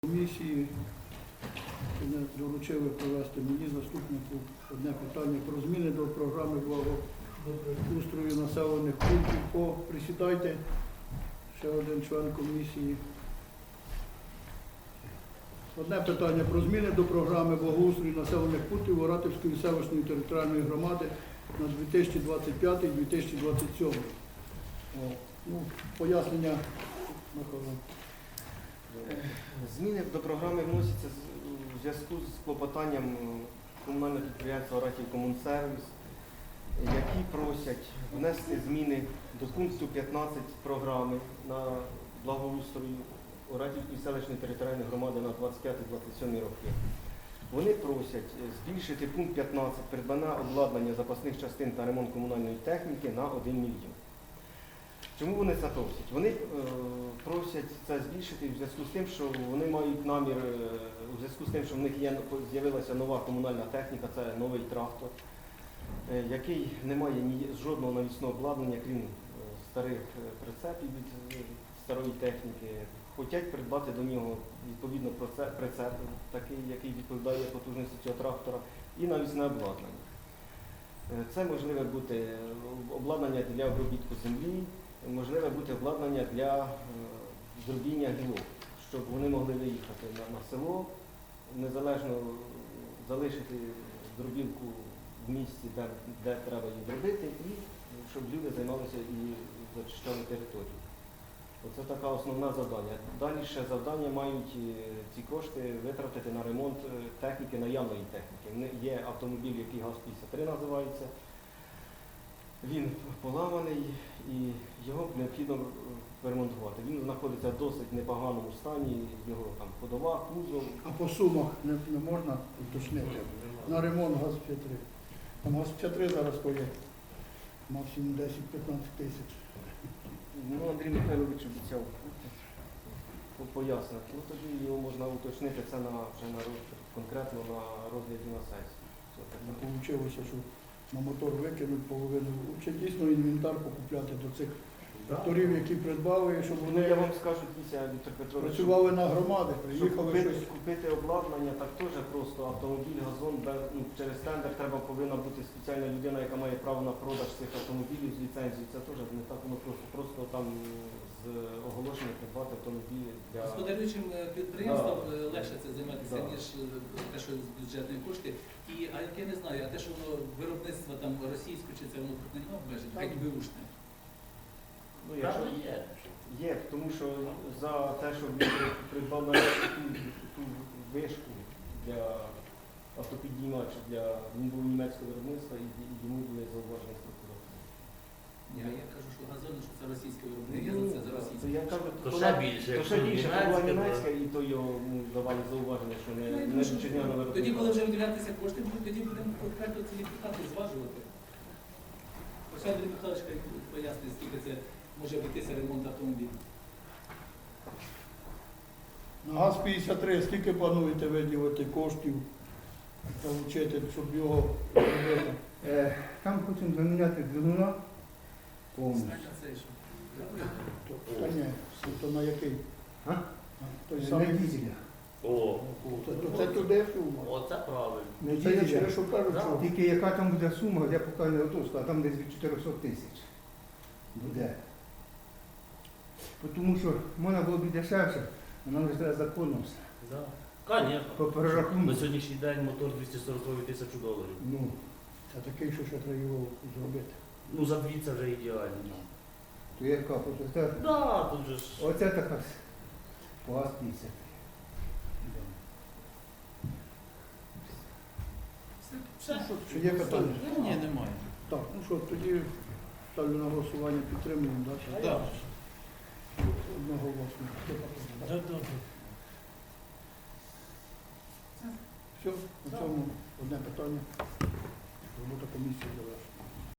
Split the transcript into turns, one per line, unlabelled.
Комісії доручили провести мені заступнику одне питання про зміни до програми благоустрою населених пунктів. Присідайте, ще один член комісії. Одне питання про зміни до програми благоустрою населених пунктів Оратівської селищної територіальної громади на 2025-2027. Пояснення, Михайло.
Зміни до програми вносяться у зв'язку з клопотанням комунального підприємства «Оратівкомунсервіс», які просять внести зміни до пункту 15 програми на благоустрою Оратівської селищної територіальної громади на 25-27 роки. Вони просять збільшити пункт 15 придбання обладнання запасних частин та ремонт комунальної техніки на 1 мільйон. Чому вони це просять? Вони просять це збільшити в зв'язку з тим, що вони мають намір, у зв'язку з тим, що в них з'явилася нова комунальна техніка, це новий трактор, який не має жодного навісного обладнання, крім старих прицепів від старої техніки. Хочуть придбати до нього відповідно прицеп, такий, який відповідає потужності цього трактора, і навісне обладнання. Це можливе бути обладнання для обробітку землі, можливе бути обладнання для зробіння гілок, щоб вони могли виїхати на село, незалежно залишити дробілку в місці, де треба її зробити, і щоб люди займалися і зачищали територію. Оце така основне завдання. Далі ще завдання мають ці кошти витратити на ремонт техніки, наявної техніки. Є автомобіль, який ГАЗ-53 називається. Він поламаний і його необхідно ремонтувати. Він знаходиться в досить непоганому стані, його там ходова, кузов.
А по сумах не можна уточнити? На ремонт ГАЗ-53. Там ГАЗ-53 зараз стоїть максимум 10-15 тисяч.
Андрій Михайлович обіцяв пояснити. Тоді його можна уточнити, це конкретно на розгляді на сесії.
Вийшло, що на мотор викинуть половину. Чи дійсно інвентар покупляти до цих тракторів, які придбали, щоб вони
Я вам скажу, Віктор Петрович,
працювали на громади, приїхали
щоб
щось.
купити обладнання, так теж просто автомобіль, газон, через тендер повинна бути спеціальна людина, яка має право на продаж цих автомобілів з ліцензією. Це теж не так воно просто. Просто там з оголошення придбати автомобілі для...
Господарюючим підприємствам легше це займатися, ніж те, що з бюджетної кошти. А я не знаю, а те, що воно виробництво там російське, чи це воно тут не обмежить, хай беушне.
Є, тому що за те, що він придбав на ту вишку для автопідіймача, він був німецького виробництва і йому були зауважені з прокуратури.
Я кажу, що газон, що це російське виробництво, я за це за російське.
Я кажу,
То ще більше,
то ще більше, то була німецька, і то його давали зауваження, що не вітчизняне виробництво.
Тоді, коли вже виділятися кошти, тоді будемо конкретно ці депутати зважувати. Ось Андрій Михайлович пояснює, скільки це може обійтися ремонт автомобіля.
На ГАЗ-53 скільки плануєте виділити коштів, залучити, щоб його зробити?
Там хочемо заміняти двигуна повністю.
Це що?
Та ні, то на який?
А?
Той
На
самий.
дізелях.
О,
То це туди сума.
оце правильно.
На
Це я через
дізелях.
що кажу, що
Тільки яка там буде сума, я поки не готов сказати, там десь від 400 тисяч буде. Тому що можна було б дешевше, а нам вже треба законно все.
Да. Конечно.
По перерахунку.
На сьогоднішній день мотор 240 тисяч доларів.
ну, це такий, що ще треба його зробити.
Ну, за дві це вже ідеально.
То яка, оце,
Да, тут же ж...
оце така по ГАЗ-50.
Чи є питання?
Ні, немає.
Так, ну що, тоді ставлю на голосування, підтримуємо, так?
Так.
Одноголосно. Все, на цьому одне питання. Робота комісії завершена.